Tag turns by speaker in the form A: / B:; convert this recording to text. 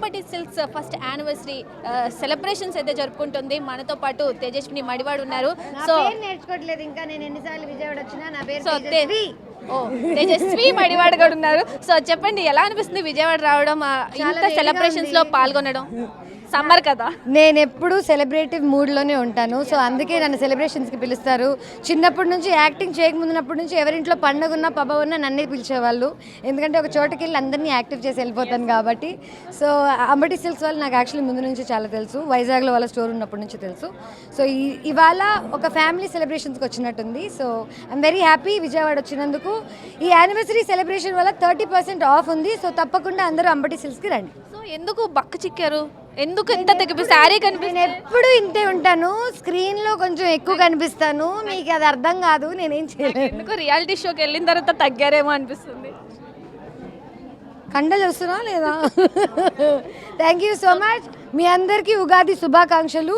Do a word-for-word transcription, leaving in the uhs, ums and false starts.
A: Ambati silks first anniversary celebrations అయితే జరుపుకుంటుంది. మనతో పాటు తేజస్విని మడివాడు ఉన్నారు. సో
B: నేర్చుకోవట్లేదు ఇంకా, నేను ఎన్నిసార్లు విజయవాడ వచ్చినా నా పేరు
A: సో ఓ తేజస్వి మడివాడు కూడా ఉన్నారు. సో చెప్పండి, ఎలా అనిపిస్తుంది విజయవాడ రావడం, ఇంత సెలబ్రేషన్స్ లో పాల్గొనడం? సమ్మర్ కదా,
B: నేను ఎప్పుడు సెలబ్రేటివ్ మూడ్లోనే ఉంటాను. సో అందుకే నన్ను సెలబ్రేషన్స్కి పిలుస్తారు. చిన్నప్పటి నుంచి యాక్టింగ్ చేయకముందున్నప్పటి నుంచి ఎవరింట్లో పండుగ ఉన్నా పబ్బ ఉన్నా నన్నే పిలిచేవాళ్ళు. ఎందుకంటే ఒక చోటకి వెళ్ళి అందరినీ యాక్టివ్ చేసి వెళ్ళిపోతాను కాబట్టి. సో అంబటి సిల్క్స్ వాళ్ళు నాకు యాక్చువల్లీ ముందు నుంచి చాలా తెలుసు. వైజాగ్లో వాళ్ళ స్టోర్ ఉన్నప్పటి నుంచి తెలుసు. సో ఈ ఇవాళ ఒక ఫ్యామిలీ సెలబ్రేషన్స్కి వచ్చినట్టుంది. So I'm very happy Vijayawada వచ్చినందుకు. ఈ యానివర్సరీ సెలబ్రేషన్ వల్ల థర్టీ పర్సెంట్ ఆఫ్ ఉంది. సో తప్పకుండా అందరూ అంబటి సిల్క్స్కి రండి.
A: సో ఎందుకు బక్క చిక్కారు? ఎందుకు ఇంత తెగిపి శారీ కనిపి
B: నేను ఎప్పుడు ఇంతే ఉంటాను. స్క్రీన్ లో కొంచెం ఎక్కువ కనిపిస్తాను. మీకు అది అర్థం కాదు, నేనేం చేయలేదు.
A: ఎందుకు రియాలిటీ షోకి వెళ్ళిన తర్వాత తగ్గారేమో అనిపిస్తుంది.
B: కండలు వస్తున్నా లేదా? Thank you so much. మీ అందరికీ ఉగాది శుభాకాంక్షలు.